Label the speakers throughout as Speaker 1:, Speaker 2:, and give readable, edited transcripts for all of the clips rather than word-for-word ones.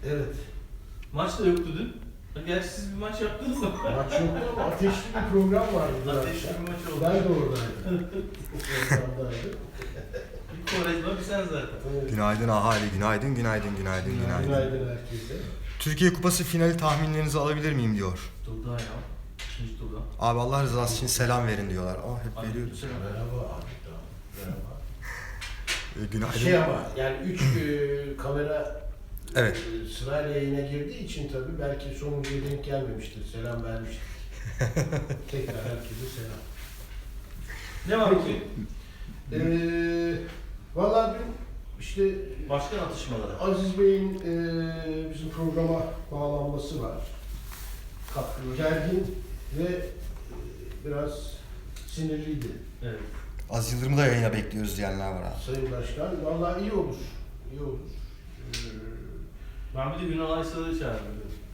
Speaker 1: Evet.
Speaker 2: Maç da yoktu dün. Gerçi siz bir maç yaptınız mı?
Speaker 1: Maç yoktu ama ateşli bir program vardı.
Speaker 2: Ateşli bir maç oldu.
Speaker 1: Ben de oradaydım. Programdaydım.
Speaker 2: Bir Kovarejma bir sen zaten.
Speaker 1: Evet.
Speaker 3: Günaydın ahali, günaydın, günaydın, günaydın, günaydın.
Speaker 1: Günaydın herkese.
Speaker 3: Türkiye Kupası finali tahminlerinizi alabilir miyim diyor.
Speaker 2: Turda ya. İkinci turda.
Speaker 3: Abi Allah rızası için selam verin diyorlar. Hep veriyoruz.
Speaker 2: Selam.
Speaker 1: Merhaba abi. Merhaba.
Speaker 3: Günaydın.
Speaker 1: Şey ama yani 3 kamera
Speaker 3: Evet.
Speaker 1: sırayla yayına girdiği için tabii belki sonuncuya denk gelmemiştir. Selam vermiştir. Tekrar herkese selam.
Speaker 2: Ne var
Speaker 1: Peki.
Speaker 2: bugün?
Speaker 1: Vallahi dün işte
Speaker 2: Başkan atışmaları.
Speaker 1: Aziz Bey'in bizim programa bağlanması var. Gergin ve biraz sinirliydi.
Speaker 2: Evet.
Speaker 3: Az Yıldırım'ı da yayına bekliyoruz diyenler var abi.
Speaker 1: Sayın Başkan. Vallahi iyi olur. İyi olur.
Speaker 2: Ben bir de Ünal Aysal'ı çağırdım.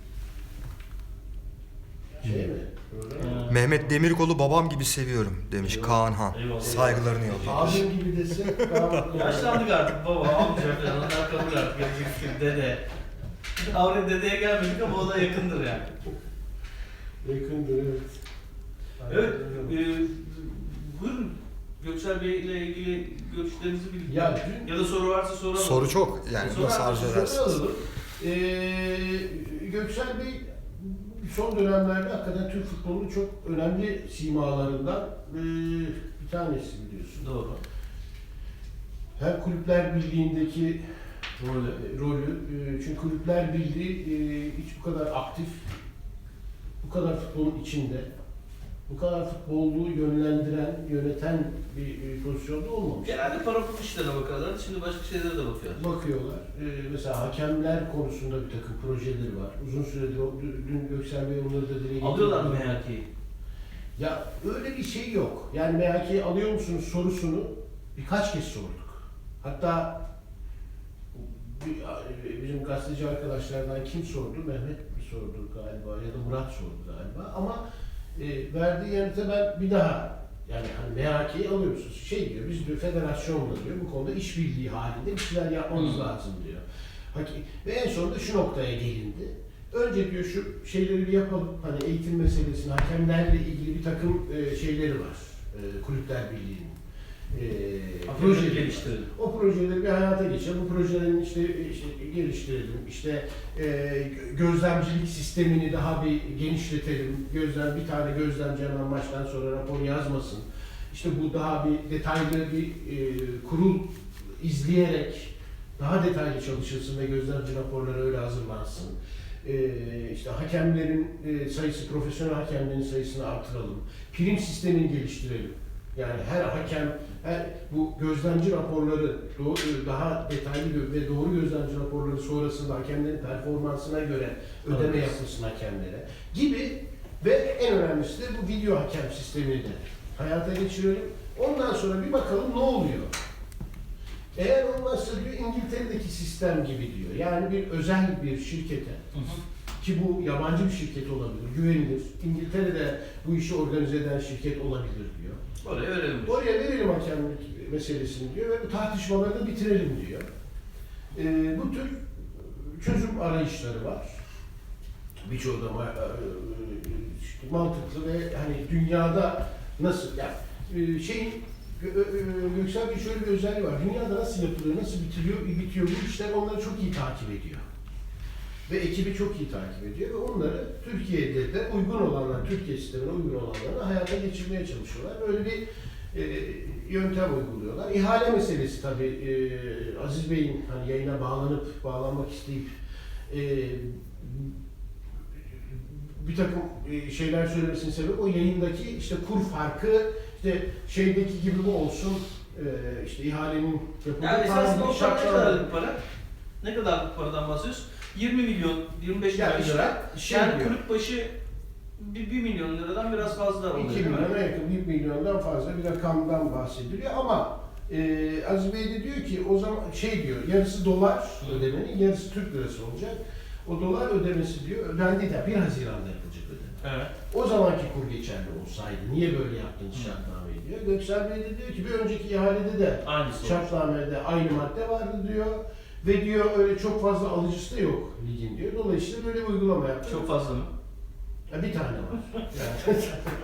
Speaker 1: Şey mi? Öyle mi?
Speaker 3: Mehmet Demirkol'u babam gibi seviyorum demiş
Speaker 2: Eyvallah.
Speaker 3: Kaan Han.
Speaker 2: Eyvallah.
Speaker 3: Saygılarını yolluyor.
Speaker 1: Abim gibi desek
Speaker 2: Yaşlandık artık baba, amca falan onlar kalır artık. Yapacak bir şey, dede. Avre dedeye gelmedik ama o da yakındır yani.
Speaker 1: Yakındır evet.
Speaker 2: Evet, buyurun. Göksel Bey ile ilgili görüşlerinizi bilin.
Speaker 1: Ya
Speaker 2: Ya da soru varsa soralım.
Speaker 3: Soru çok yani
Speaker 2: Soru
Speaker 3: nasıl arzu edersiniz?
Speaker 1: alalım. Göksel Bey son dönemlerde hakikaten Türk futbolunun çok önemli simalarından bir tanesi biliyorsun.
Speaker 2: Doğru.
Speaker 1: Hem Kulüpler Birliği'ndeki rolü, çünkü Kulüpler Birliği hiç bu kadar aktif, bu kadar futbolun içinde, bu kadar futbolluğu yönlendiren, yöneten bir pozisyonda olmamış.
Speaker 2: Genelde para pul işlerine bakarlar, şimdi başka şeylere de bakıyorlar.
Speaker 1: Bakıyorlar. Mesela hakemler konusunda bir takım projeleri var. Uzun süredir, dün Göksel Bey onları da dile getirdi.
Speaker 2: Alıyorlar mı MHK'yi?
Speaker 1: Ya öyle bir şey yok. Yani MHK'yi alıyor musunuz sorusunu birkaç kez sorduk. Hatta bizim gazeteci arkadaşlardan kim sordu? Mehmet mi sordu galiba ya da Murat sordu galiba. Ama verdiği yanıta ben bir daha yani hani MHK'yi alıyor musunuz? Şey diyor, biz diyor federasyonla diyor bu konuda işbirliği halinde bir şeyler yapmamız lazım diyor. Ve en sonunda şu noktaya gelindi. Önce diyor şu şeyleri bir yapalım. Hani eğitim meselesini, hakemlerle ilgili bir takım şeyleri var. Kulüpler Birliği'nin.
Speaker 2: Projeleri geliştirelim.
Speaker 1: O projeleri bir hayata geçirelim. Bu projelerin işte geliştirelim. İşte gözlemcilik sistemini daha bir genişletelim. Bir tane gözlemci hemen maçtan sonra rapor yazmasın. İşte bu daha bir detaylı bir kurul izleyerek daha detaylı çalışılsın ve gözlemci raporları öyle hazırlansın. İşte hakemlerin sayısı, profesyonel hakemlerin sayısını artıralım. Prim sistemini geliştirelim. Yani her hakem, bu gözlemci raporları daha detaylı ve doğru gözlemci raporları sonrasında hakemlerin performansına göre ödeme yapılsın hakemlere gibi ve en önemlisi de bu video hakem sistemini de hayata geçirelim. Ondan sonra bir bakalım ne oluyor. Eğer olmazsa diyor İngiltere'deki sistem gibi diyor. Yani bir özel bir şirkete ki bu yabancı bir şirket olabilir, güvenilir. İngiltere'de bu işi organize eden şirket olabilir diyor.
Speaker 2: Oraya verelim.
Speaker 1: Oraya verelim hakemlik meselesini diyor ve bu tartışmaları da bitirelim diyor. Bu tür çözüm arayışları var. Birçoğu da mantıklı ve hani dünyada nasıl yani Göksel Bey şöyle bir özelliği var. Dünyada nasıl yapılıyor, nasıl bitiyor bu işler onları çok iyi takip ediyor. Ve ekibi çok iyi takip ediyor ve onları Türkiye'de de uygun olanlar, Türkiye sistemine uygun olanları hayata geçirmeye çalışıyorlar. Böyle bir yöntem uyguluyorlar. İhale meselesi tabii Aziz Bey'in hani yayına bağlanmak isteyip bir takım şeyler söylemesinin sebebi o yayındaki işte kur farkı, işte şeydeki gibi bu olsun, işte ihalenin yapıldığı
Speaker 2: Yani esasında o para ne
Speaker 1: şartlar.
Speaker 2: kadarlık para? Ne kadarlık paradan bahsediyoruz? 20 milyon, 25
Speaker 1: Yani
Speaker 2: milyon lira.
Speaker 1: şey
Speaker 2: Yani
Speaker 1: diyor.
Speaker 2: kulüp başı 1 milyon liradan biraz fazla oluyor.
Speaker 1: 2
Speaker 2: değil mi?
Speaker 1: milyona yakın, 1 milyondan fazla bir rakamdan bahsediliyor ama Aziz Bey de diyor ki o zaman şey diyor, yarısı dolar ödemenin, yarısı Türk lirası olacak. O dolar ödemesi diyor, ödendi de 1 Haziran'da yapılacak ödeme.
Speaker 2: Evet.
Speaker 1: O zamanki kur geçerli olsaydı, niye böyle yaptın şartnameyi diyor. Göksel Bey de diyor ki bir önceki ihalede de
Speaker 2: Aynısı olmuş.
Speaker 1: şartnamede aynı madde vardı diyor. Ve diyor öyle çok fazla alıcısı da yok ligin diyor. Dolayısıyla böyle bir uygulama yaptı.
Speaker 2: Çok fazla mı?
Speaker 1: Ya bir tane var. Yani.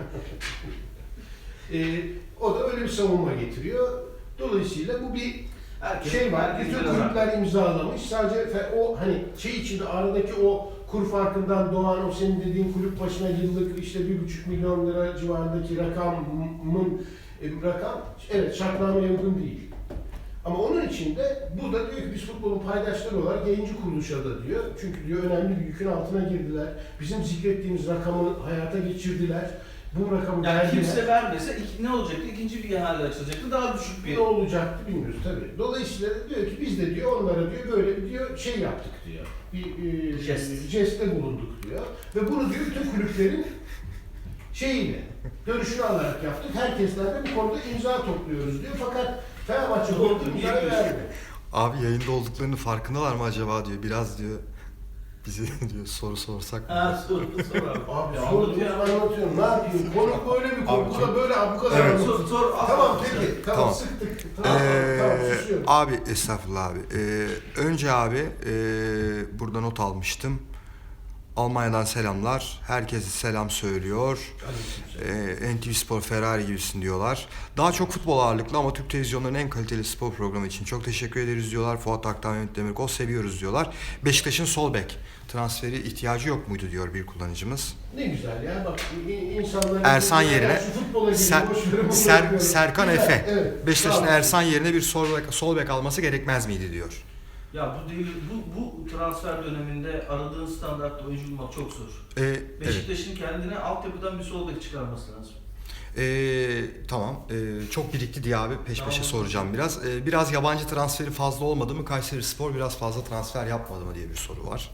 Speaker 1: O da öyle bir savunma getiriyor. Dolayısıyla bu bir
Speaker 2: Herkes,
Speaker 1: şey var.
Speaker 2: herkes
Speaker 1: Bütün
Speaker 2: biraz
Speaker 1: kulüpler imzalamış. Sadece o hani şey içinde aradaki o kur farkından doğan o senin dediğin kulüp başına yıllık işte 1,5 milyon lira civarındaki rakam evet şartnameye uygun değil. Ama onun için de bu da diyor ki biz futbolun paydaşları olarak yayıncı kuruluşa da diyor. Çünkü diyor önemli bir yükün altına girdiler. Bizim zikrettiğimiz rakamı hayata geçirdiler. Bu rakamı
Speaker 2: yani
Speaker 1: verdiler.
Speaker 2: kimse vermese ne olacaktı? İkinci bir ihale açılacaktı. Daha düşük bir.
Speaker 1: Ne olacaktı bilmiyoruz tabii. Dolayısıyla da diyor ki biz de diyor onlara diyor böyle bir diyor şey yaptık diyor. Bir jestte bulunduk diyor. Ve bunu diyor bütün kulüplerin şeyiyle, görüşünü alarak yaptık. Herkesten de bu konuda imza topluyoruz diyor. Fakat Fenerbahçe
Speaker 2: Doğru,
Speaker 1: bu
Speaker 2: niye
Speaker 1: imzayı vermiyor.
Speaker 3: Abi yayında olduklarını farkındalar mı acaba diyor. Biraz diyor bize diyor soru sorsak mı?
Speaker 2: Ha sor abi.
Speaker 1: Abi
Speaker 2: Ya
Speaker 1: anlatıyorum. Ne yapayım? Konu böyle bir konu.
Speaker 3: Abi
Speaker 1: Bu
Speaker 3: çok-
Speaker 1: da böyle bu kadar.
Speaker 3: Evet.
Speaker 1: anlatıyor.
Speaker 2: Sor.
Speaker 1: Tamam peki. Tamam,
Speaker 3: Tamam.
Speaker 1: sıktık. Tamam susuyorum.
Speaker 3: Abi estağfurullah abi. Önce abi burada not almıştım. Almanya'dan selamlar. Herkese selam söylüyor. NTV Spor Ferrari gibisin diyorlar. Daha çok futbol ağırlıklı ama Türk televizyonlarının en kaliteli spor programı için çok teşekkür ederiz diyorlar. Fuat Aktan, Mehmet Demirkol seviyoruz diyorlar. Beşiktaş'ın sol bek transferi ihtiyacı yok muydu diyor bir kullanıcımız.
Speaker 1: Ne güzel ya bak insanların...
Speaker 3: Ersan yerine Serkan
Speaker 1: Güzel,
Speaker 3: Efe.
Speaker 1: evet.
Speaker 3: Beşiktaş'ın
Speaker 1: Tamam.
Speaker 3: Ersan yerine bir sol bek alması gerekmez miydi diyor.
Speaker 2: Ya bu değil, bu transfer döneminde aradığın standartta oyuncu bulmak çok zor.
Speaker 3: Evet.
Speaker 2: Beşiktaş'ın kendine altyapıdan bir sol bek çıkarması lazım.
Speaker 3: Tamam. Çok birikti diye abi peş peşe
Speaker 2: Tamam.
Speaker 3: soracağım biraz. Biraz yabancı transferi fazla olmadı mı? Kayserispor biraz fazla transfer yapmadı mı diye bir soru var.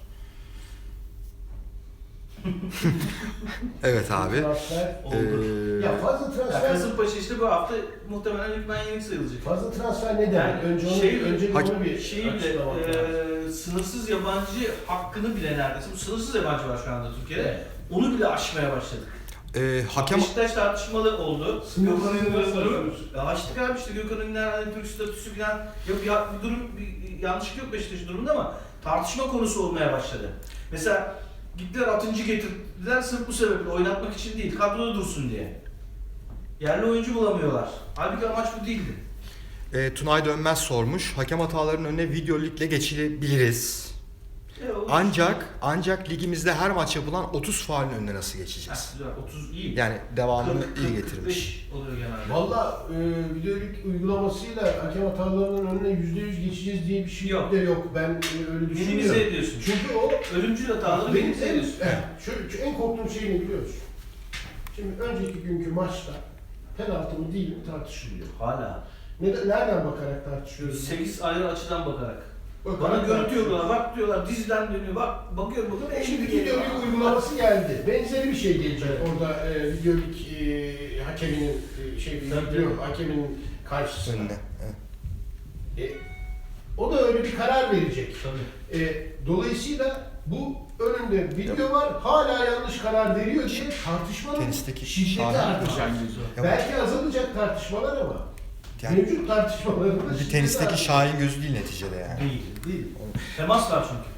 Speaker 3: Evet abi.
Speaker 1: Transfer.
Speaker 2: Oldu.
Speaker 1: Ya fazla
Speaker 2: Ya
Speaker 1: transfer...
Speaker 2: Kasımpaşa işte bu hafta muhtemelen hükmen yenik sayılacak.
Speaker 1: Fazla transfer ne demek?
Speaker 2: Yani
Speaker 1: Önce onu,
Speaker 2: şey-
Speaker 1: önce bir
Speaker 3: Hakim-
Speaker 1: onu bir
Speaker 2: Şeyi
Speaker 1: açıklamak lazım.
Speaker 2: bile sınırsız yabancı hakkını bile neredeyse. Bu sınırsız yabancı var şu anda Türkiye'de.
Speaker 1: Evet.
Speaker 2: Onu bile aşmaya başladık.
Speaker 3: Hakem
Speaker 2: Beşiktaş tartışmalı oldu.
Speaker 1: Sınırsız
Speaker 2: Gökhan
Speaker 1: nasıl
Speaker 2: Ünlü'nün
Speaker 1: yapıyorsun?
Speaker 2: ya açtık abi işte Gökhan Ünlü'nün hani Türk statüsü falan yok ya bir durum bir yanlışlık yok Beşiktaş'ın durumunda ama tartışma konusu olmaya başladı. Mesela gittiler Atıncı getirdiler sırf bu sebeple oynatmak için değil kadroda dursun diye. Yerli oyuncu bulamıyorlar. Halbuki amaç bu değildi.
Speaker 3: Tunay Dönmez sormuş. Hakem hatalarının önüne video ligle geçilebiliriz. Ancak ligimizde her maç yapılan 30 faulün önüne nasıl geçeceğiz?
Speaker 2: Güzel, 30 iyi.
Speaker 3: Yani devamını
Speaker 2: 40,
Speaker 3: iyi
Speaker 2: 45
Speaker 3: getirmiş.
Speaker 2: oluyor genelde.
Speaker 1: Valla videoluk uygulamasıyla hakem hatalarının önüne %100 geçeceğiz diye bir şey
Speaker 2: Yok.
Speaker 1: de yok. Ben öyle
Speaker 2: Minimize
Speaker 1: düşünmüyorum.
Speaker 2: ediyorsun.
Speaker 1: Çünkü o
Speaker 2: Ölümcül hataları
Speaker 1: benim
Speaker 2: minimize ediyorsun.
Speaker 1: şu en korktuğum şey ne biliyorsun? Şimdi önceki günkü maçta penaltı mı değil mi tartışılıyor.
Speaker 2: Hala.
Speaker 1: Nereden bakarak tartışıyoruz?
Speaker 2: 8 ayrı açıdan bakarak.
Speaker 1: Bakarak
Speaker 2: Bana görüntü
Speaker 1: tartışıyoruz.
Speaker 2: yolladılar, bak diyorlar diziden dönüyor, bak bakıyorum
Speaker 1: Şimdi
Speaker 2: geliyor.
Speaker 1: videoluk uygulaması geldi. Benzeri bir şey gelecek orada videoluk hakeminin video hakeminin karşısına.
Speaker 3: Önüne. Evet.
Speaker 1: O da öyle bir karar verecek.
Speaker 2: Tabii.
Speaker 1: Dolayısıyla bu önünde video var, hala yanlış karar veriyor diye tartışmanın
Speaker 3: Tenisteki
Speaker 1: şiddeti
Speaker 3: şahane
Speaker 1: artacak.
Speaker 3: Ya
Speaker 1: Belki azalacak tartışmalar ama
Speaker 3: Yani
Speaker 1: mevcut tartışmaların da
Speaker 3: bir
Speaker 1: şiddeti
Speaker 3: tenisteki
Speaker 1: artacak.
Speaker 3: Şahin gözü değil neticede yani.
Speaker 2: Değil. Temas var çünkü.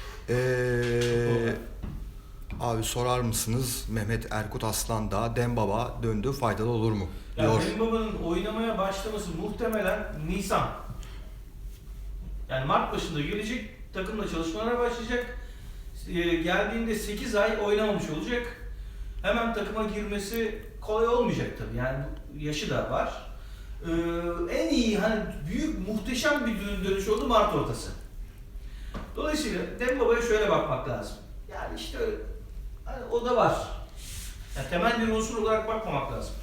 Speaker 3: Abi sorar mısınız Mehmet Erkut Aslan da Dembaba döndü faydalı olur mu?
Speaker 2: Ya
Speaker 3: Diyor.
Speaker 2: Dembaba'nın oynamaya başlaması muhtemelen Nisan. Yani Mart başında gelecek, takımla çalışmalara başlayacak. Geldiğinde 8 ay oynamamış olacak. Hemen takıma girmesi kolay olmayacak tabii. Yani yaşı da var. En iyi hani büyük muhteşem bir dönüş oldu Mart ortası. Dolayısıyla Dembaba'ya şöyle bakmak lazım. Yani işte hani o da var. Yani temel bir unsur olarak bakmamak lazım.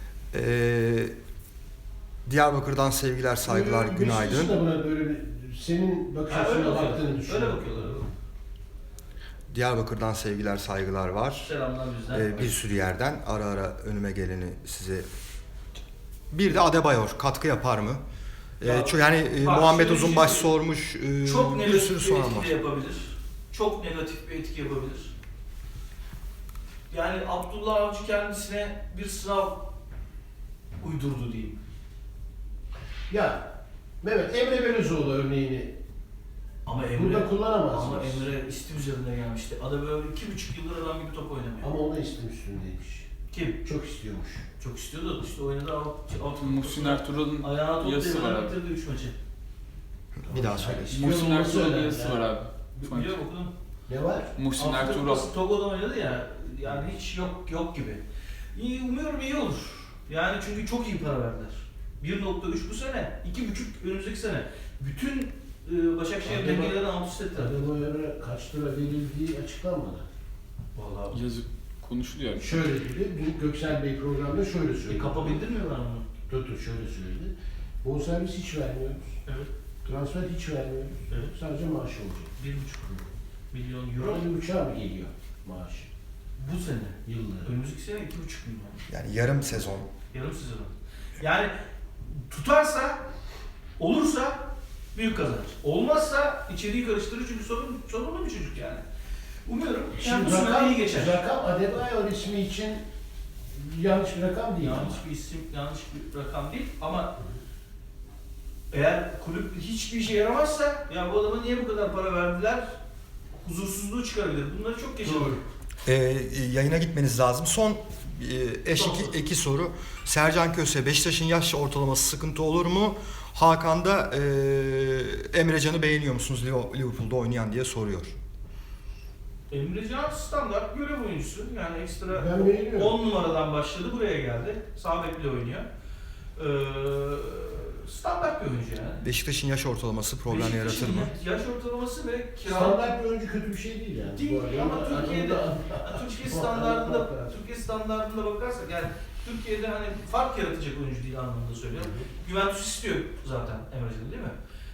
Speaker 3: Diyarbakır'dan sevgiler saygılar
Speaker 1: Beşiktaş'ın
Speaker 3: günaydın.
Speaker 1: da buna böyle bir senin bakış
Speaker 2: Ha, öyle
Speaker 1: açına
Speaker 2: bakıyorlar.
Speaker 1: baktığını düşünüyorum.
Speaker 2: Öyle bakıyorlar.
Speaker 3: Diyarbakır'dan sevgiler saygılar var.
Speaker 2: Selamlar bizden.
Speaker 3: Bir sürü yerden ara ara önüme geleni size. Bir de Adebayor katkı yapar mı?
Speaker 2: Ya,
Speaker 3: Yani
Speaker 2: bak,
Speaker 3: Muhammed
Speaker 2: şöyle bir şey
Speaker 3: Uzunbaş
Speaker 2: söyleyeyim.
Speaker 3: sormuş.
Speaker 2: Çok
Speaker 3: Bir
Speaker 2: negatif
Speaker 3: sürü
Speaker 2: bir
Speaker 3: soran
Speaker 2: etki
Speaker 3: var.
Speaker 2: de yapabilir. Çok negatif bir etki yapabilir. Yani Abdullah Avcı kendisine bir sınav uydurdu diyeyim.
Speaker 1: Ya Mehmet Emre Belözoğlu örneğini
Speaker 2: Ama Emre,
Speaker 1: Burada kullanamaz.
Speaker 2: ama Emre istim üzerinde gelmişti. Ada böyle 2,5 yıldır adam gibi top oynamıyor.
Speaker 1: Ama o da istim üstündeymiş.
Speaker 2: Kim?
Speaker 1: Çok istiyormuş.
Speaker 2: Çok istiyordu. İşte oynadı alt
Speaker 4: Muhsin Ertuğrul'un
Speaker 2: ayağına top
Speaker 4: yazısı var
Speaker 2: değmeden
Speaker 4: abi.
Speaker 2: bitirdi 3 maçı.
Speaker 3: Bir daha söyle.
Speaker 1: İstiyor
Speaker 4: Muhsin
Speaker 1: olması
Speaker 4: Ertuğrul'un
Speaker 1: önemli
Speaker 4: yazısı
Speaker 1: yani.
Speaker 4: var abi.
Speaker 2: Biliyorum okudum.
Speaker 1: Ne var?
Speaker 4: Muhsin
Speaker 2: Afrika
Speaker 4: Ertuğrul.
Speaker 2: Kupası Togo'da oynadı ya. Yani hiç yok gibi. İyi, umuyorum iyi olur. Yani çünkü çok iyi para verdiler. 1.3 bu sene, 2.5 önümüzdeki sene. Bütün Başakşehir
Speaker 1: Adema-
Speaker 2: dengelerini alt üst ettiler.
Speaker 1: Adebayor'a kaç lira verildiği açıklanmadı.
Speaker 2: Vallahi.
Speaker 4: Yazı konuşuluyor.
Speaker 1: Şöyle dedi, dün Göksel Bey programda şöyle söyledi.
Speaker 2: Kapa bildirmiyorlar mı?
Speaker 1: Dur şöyle söyledi. Bonservis hiç vermiyoruz.
Speaker 2: Evet.
Speaker 1: Transfer hiç vermiyoruz.
Speaker 2: Evet.
Speaker 1: Sadece maaş olacak.
Speaker 2: 1,5 milyon euro
Speaker 1: Euro 1,5'a mı geliyor maaş?
Speaker 2: bu sene.
Speaker 1: Yılları.
Speaker 2: Önümüzdeki sene 2,5 milyon.
Speaker 3: Yani yarım sezon.
Speaker 2: Yarım sezon. Yani tutarsa, olursa büyük kazanır. Olmazsa içeriği karıştırır çünkü sorunlu bir çocuk yani. Umuyorum yani bu sene iyi geçer.
Speaker 1: Rakam Adebayor ismi için yanlış bir rakam değil.
Speaker 2: Yanlış bir isim, yanlış bir rakam değil ama eğer kulüp hiçbir işe yaramazsa ya bu adama niye bu kadar para verdiler? Huzursuzluğu çıkarabilir. Bunları çok geçiyor.
Speaker 1: Doğru.
Speaker 3: Yayına gitmeniz lazım. Son
Speaker 2: Tamam.
Speaker 3: iki soru. Sercan Köse, Beşiktaş'ın yaş ortalaması sıkıntı olur mu? Hakan da Emrecan'ı beğeniyor musunuz Liverpool'da oynayan diye soruyor.
Speaker 2: Emrecan standart görev oyuncusu. Yani ekstra
Speaker 1: Ben beğeniyorum.
Speaker 2: 10 numaradan başladı buraya geldi. Sağ bekle oynuyor. Standart bir oyuncu yani.
Speaker 3: Beşiktaş'ın yaş ortalaması problem
Speaker 2: Beşiktaş'ın
Speaker 3: yaratır mı?
Speaker 2: Yaş ortalaması ve kiralık
Speaker 1: Standart bir oyuncu kötü bir şey değil yani.
Speaker 2: Değil,
Speaker 1: Bu arada.
Speaker 2: ama Türkiye'de-
Speaker 1: Anında-
Speaker 2: Türkiye standartında bakarsak yani Türkiye'de hani fark yaratacak oyuncu değil anlamında söylüyorum. Juventus istiyor zaten Emrecan'ı değil mi?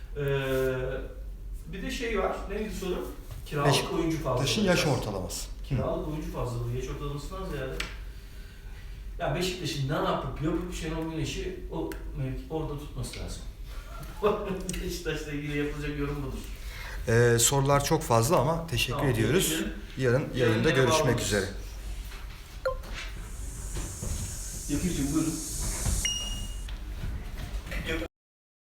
Speaker 2: Bir de şey var. Neydi soru? Kiralık oyuncu fazlalığı.
Speaker 3: Beşiktaş'ın yaş ortalaması.
Speaker 2: Kiralık oyuncu fazlalığı. Yaş ortalamasından ziyade. Ya Beşiktaş'ın ne yapıp Şenol Güneş'i o orada tutması lazım. Beşiktaş'la ilgili yapılacak yorum budur.
Speaker 3: Sorular çok fazla ama teşekkür
Speaker 2: Tamam,
Speaker 3: ediyoruz.
Speaker 2: teşekkür ederim.
Speaker 3: Yarın yayında
Speaker 2: Yayına
Speaker 3: görüşmek
Speaker 2: bağlanırız.
Speaker 3: üzere.
Speaker 2: Yakir'cim buyurun.